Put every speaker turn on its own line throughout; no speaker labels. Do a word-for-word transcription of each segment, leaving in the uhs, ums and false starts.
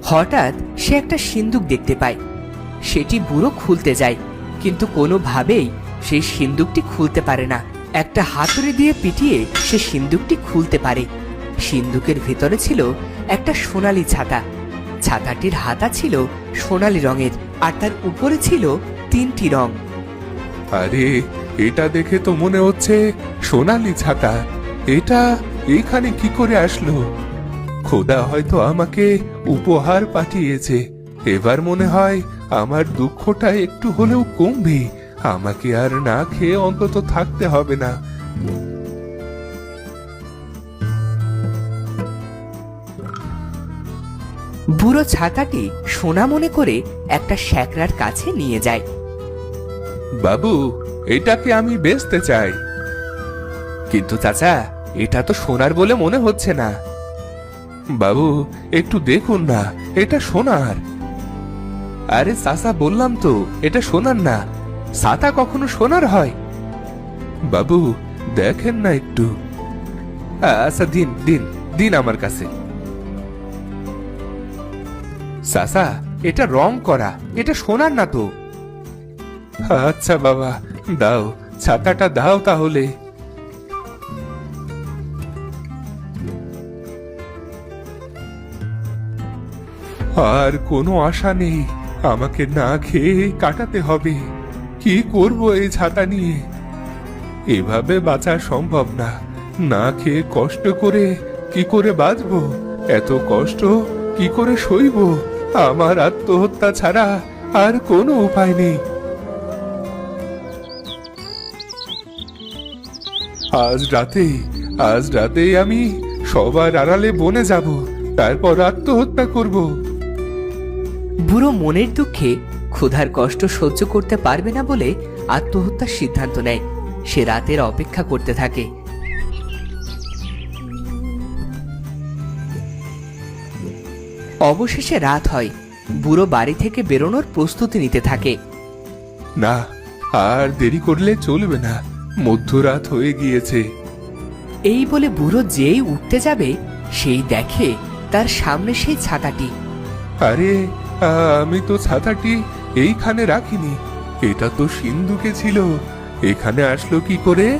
হঠাৎ সে একটা সিন্দুক দেখতে পায়। সেটি বুড়ো খুলতে যায়, কিন্তু কোনোভাবেই সেই সিন্দুকটি খুলতে পারে না। একটা হাতুড়ি দিয়ে পিটিয়ে সে সিন্দুকটি খুলতে পারে। সিন্দুকের ভেতরে ছিল একটা সোনালী ছাতা। ছাতাটির হাতা ছিল সোনালী রঙের, আর তার উপরে ছিল তিনটি রং।
আরে, এটা দেখে তো মনে হচ্ছে সোনালী ছাতা। এটা এখানে কি করে আসলো? খোদা হয়তো আমাকে উপহার পাঠিয়েছে। এবার মনে হয় আমার দুঃখটা একটু হলেও কমবে। আমাকে আর না খেয়ে অন্তত থাকতে হবে না।
বুড়ো ছাতাটি সোনা মনে করে একটা শ্যাকরার কাছে নিয়ে যায়।
বাবু, এটাকে আমি বেচতে চাই।
কিন্তু চাচা, এটা তো সোনার বলে মনে হচ্ছে না।
বাবু, একটু দেখুন না, এটা সোনার।
আরে চাচা, বললাম তো এটা সোনার না। ছাতা কখনো সোনার হয়?
বাবু, দেখেন না একটু।
আচ্ছা, দিন দিন দিন আমার কাছে। চাচা, এটা রং করা, এটা সোনার না তো।
আচ্ছা বাবা, দাও, ছাতাটা দাও তাহলে। আর কোনো আশা নেই, আমাকে না খেয়ে কাটাতে হবে। কি করব এই ছাতা নিয়ে? এভাবে বাঁচা সম্ভব না। না খেয়ে কষ্ট করে কি করে বাঁচবো? এত কষ্ট কি করে সইব? আমার আত্মহত্যা ছাড়া আর কোনো উপায় নেই। আজ রাতে আজ রাতেই আমি সবার আড়ালে বনে যাব, তারপর আত্মহত্যা করব।
বুড়ো মনের দুঃখে ক্ষুধার কষ্ট সহ্য করতে পারবে না বলে আত্মহত্যার সিদ্ধান্ত নেয়। সে রাতের অপেক্ষা করতে থাকে। অবশেষে রাত হয়। বুড়ো বাড়ি থেকে বেরোনোর প্রস্তুতি নিতে থাকে।
না, আর দেরি করলে চলবে না, মধ্যরাত হয়ে গিয়েছে।
এই বলে বুড়ো যেই উঠতে যাবে, সেই দেখে তার সামনে সেই ছাতাটি।
আরে, আমি তো ছাতাটি এইখানে রাখিনি। এটা তো সিন্ধুকে ছিল। এখানে আসলো কি করে?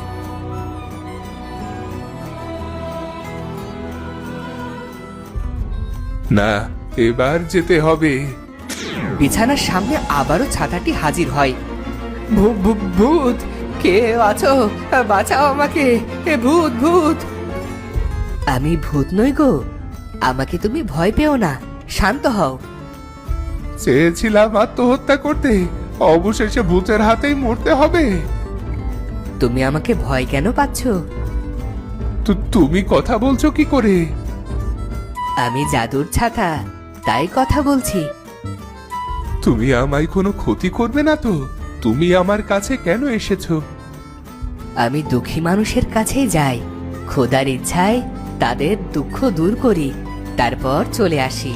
না, এবার যেতে হবে।
বিছানার সামনে আবারও ছাতাটি হাজির হয়। ভূত, কে আছো? বাঁচাও আমাকে! এ ভূত, ভূত! আমি ভূত নই গো। আমাকে তুমি ভয় পেও না, শান্ত হও।
চেয়েছিলাম আত্মহত্যা করতে, অবশেষে ভূতের হাতেই মরতে হবে।
তুমি আমাকে ভয় কেন পাচ্ছ?
তুমি কথা বলছো কি করে?
আমি জাদুর ছাতা, তাই কথা বলছি।
তুমি আমায় কোনো ক্ষতি করবে না তো? তুমি আমার কাছে কেন এসেছো?
আমি দুঃখী মানুষের কাছেই যাই। খোদার ইচ্ছায় তাদের দুঃখ দূর করি, তারপর চলে আসি।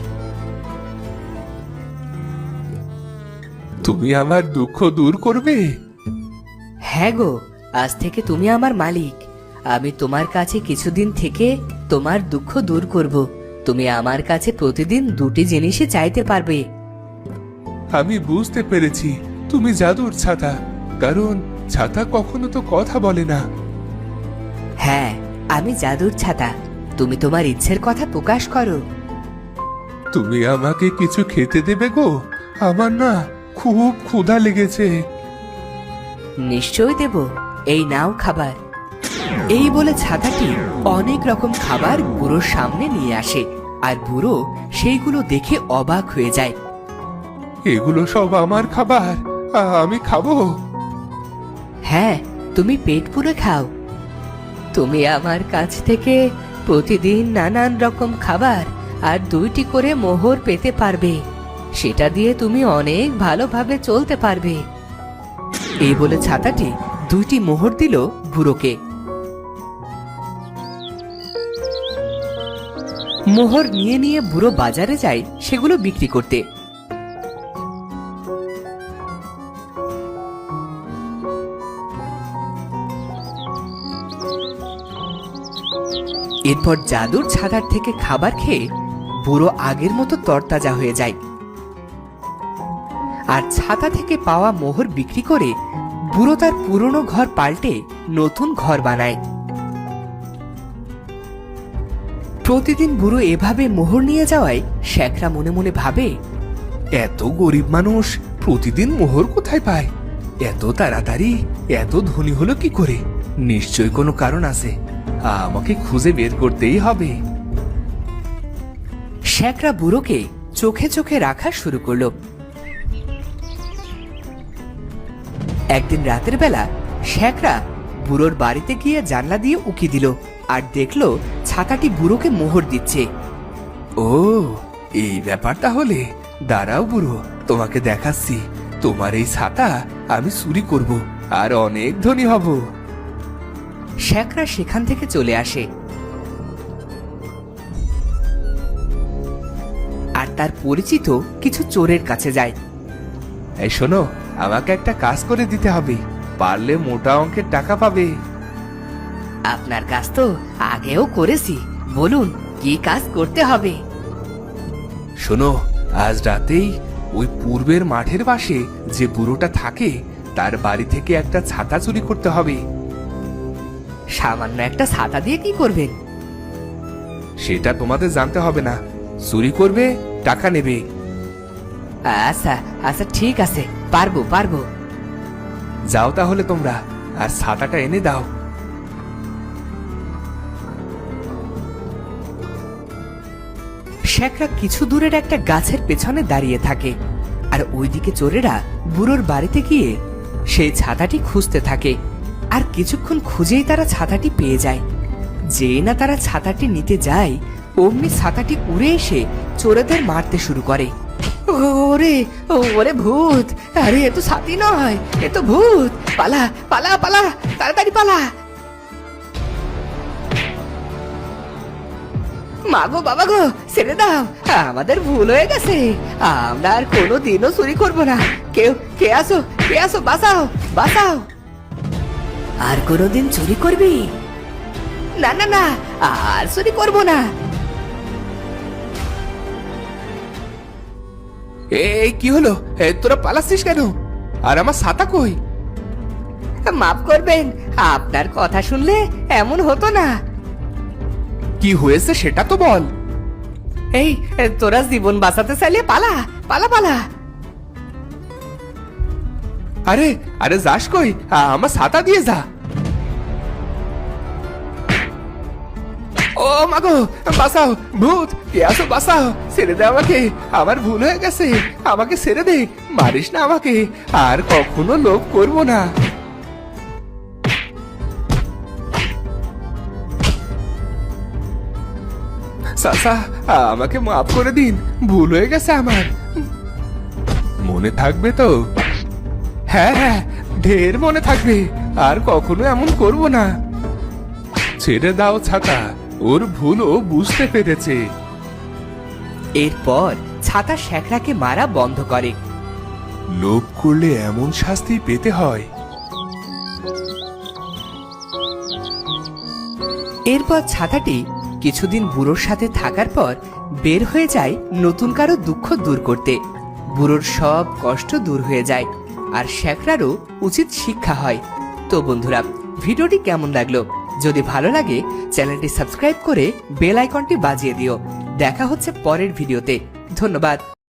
তুমি আমার দুঃখ দূর করবে?
হ্যাঁ গো, আজ থেকে তুমি আমার মালিক। আমি তোমার কাছে কিছুদিন থেকে তোমার দুঃখ দূর করব। তুমি আমার কাছে প্রতিদিন দুটি জিনিসই চাইতে পারবে।
আমি বুঝতে পেরেছি, তুমি জাদুর ছাতা। কারণ ছাতা কখনো তো কথা বলে না।
হ্যাঁ, আমি জাদুর ছাতা। তুমি তোমার ইচ্ছের কথা প্রকাশ করো।
তুমি আমাকে কিছু খেতে দেবে গো? আমার না খুব ক্ষুধা লেগেছে।
নিশ্চয়ই দেব, এই নাও খাবার। এই বলে ছাতাটি অনেক রকম খাবার বুড়োর সামনে নিয়ে আসে, আর বুড়ো সেইগুলো দেখে অবাক হয়ে যায়।
এগুলো সব আমার খাবার, আমি খাবো?
হ্যাঁ, তুমি পেট পুরে খাও। তুমি আমার কাছ থেকে প্রতিদিন নানান রকম খাবার আর দুইটি করে মোহর পেতে পারবে। সেটা দিয়ে তুমি অনেক ভালোভাবে চলতে পারবে। এই বলে ছাতাটি দুইটি মোহর দিল বুড়োকে। মোহর নিয়ে নিয়ে বুড়ো বাজারে যায় সেগুলো বিক্রি করতে। এরপর জাদুর ছাতার থেকে খাবার খেয়ে বুড়ো আগের মতো তরতাজা হয়ে যায়। আর ছাতা থেকে পাওয়া মোহর বিক্রি করে বুড়ো তার পুরনো ঘর পাল্টে নতুন ঘর বানায়। প্রতিদিন বুড়ো এভাবে মোহর নিয়ে যাওয়ায় শেখরা মনে মনে ভাবে,
এত গরিব মানুষ প্রতিদিন মোহর কোথায় পায়? এত তাড়াতাড়ি এত ধনী হলো কি করে? নিশ্চয় কোনো কারণ আছে, আমাকে খুঁজে বের করতেই হবে।
শেখরা বুড়োকে চোখে চোখে রাখা শুরু করলো। একদিন রাতের বেলা শেখরা বুড়োর বাড়িতে গিয়ে জানলা দিয়ে উকি দিল আর দেখলো ছাতাটি বুড়োকে মোহর দিচ্ছে।
ও, এই ব্যাপার তাহলে। দাঁড়াও বুড়ো, তোমাকে দেখাচ্ছি। তোমার এই ছাতা আমি চুরি করব আর অনেক ধনী হব।
শেখরা সেখান থেকে চলে আসে আর তার পরিচিত কিছু চোরের কাছে যায়।
এই শোনো, আমাকে একটা কাজ করে দিতে হবে, পারলে মোটা অঙ্কের টাকা পাবে।
আপনার কাজ তো আগেও করেছি, বলুন কি কাজ করতে হবে?
শোনো, আজ রাতেই ওই পূর্বের মাঠের পাশে যে বুড়োটা থাকে তার বাড়ি থেকে একটা ছাতা চুরি করতে হবে।
সামান্য একটা ছাতা দিয়ে কি করবেন?
সেটা তোমাদের জানতে হবে না। চুরি করবে, টাকা নেবে।
আচ্ছা আচ্ছা ঠিক আছে, পারবো পারবো।
যাও তাহলে তোমরা, আর ছাতাটা এনে দাও।
শেখরা কিছু দূরের একটা গাছের পেছনে দাঁড়িয়ে থাকে আর ওইদিকে চোরেরা বুড়োর বাড়িতে গিয়ে সেই ছাতাটি খুঁজতে থাকে। আর কিছুক্ষণ খুঁজেই তারা ছাতাটি পেয়ে যায়। যেই না তারা ছাতাটি নিতে যায়, অমনি ছাতাটি উড়ে এসে চোরেদের মারতে শুরু করে। ওরে ওরে ভূত! আরে এ তো ছাতি নয়, এ তো ভূত! পালা পালা পালা, তাড়াতাড়ি পালা! মাগো বাবা গো, ছেড়ে দাও, আমাদের ভুল হয়ে গেছে। আমরা আর কোনো দিনও চুরি করব না। কেউ কে আসো, কে আসো, বাঁচাও বাঁচাও! আর কোনোদিন চুরি করবি না? না না, আর চুরি করব না।
এই কি হলো? এ, তোরা পালাচ্ছিস কেন? আর আমার ছাতা কই?
মাফ করবেন, আপনার কথা শুনলে এমন হতো না।
কি হয়েছে সেটা তো বল।
এই তোরা জীবন বাঁচাতে চাইলে পালা পালা পালা।
আরে আরে যাস কই? আমার ছাতা দিয়ে যা। ও মাগো, বাঁচাও! ভূত! কে আসো, বাঁচাও! ছেড়ে দে আমাকে, আমার ভুল হয়ে গেছে। আমাকে ছেড়ে দে, মারিস না আমাকে। আর কখনো লোভ করব না। চাচা, আমাকে মাফ করে দিন, ভুল হয়ে গেছে আমার। মনে থাকবে তো? হ্যাঁ হ্যাঁ, ঢের মনে থাকবে। আর কখনো এমন করব না। ছেড়ে দাও ছাতা, ওর ভুল ও বুঝতে পেরেছে।
এরপর ছাতা শেখরাকে মারা বন্ধ করে।
লোভ করলে এমন শাস্তি পেতে হয়।
এরপর ছাতাটি কিছুদিন বুড়োর সাথে থাকার পর বের হয়ে যায় নতুন কারো দুঃখ দূর করতে। বুড়োর সব কষ্ট দূর হয়ে যায় আর শেখরারও উচিত শিক্ষা হয়। তো বন্ধুরা, ভিডিওটি কেমন লাগলো? যদি ভালো লাগে চ্যানেলটি সাবস্ক্রাইব করে বেল আইকনটি বাজিয়ে দিও। দেখা হচ্ছে পরের ভিডিওতে। ধন্যবাদ।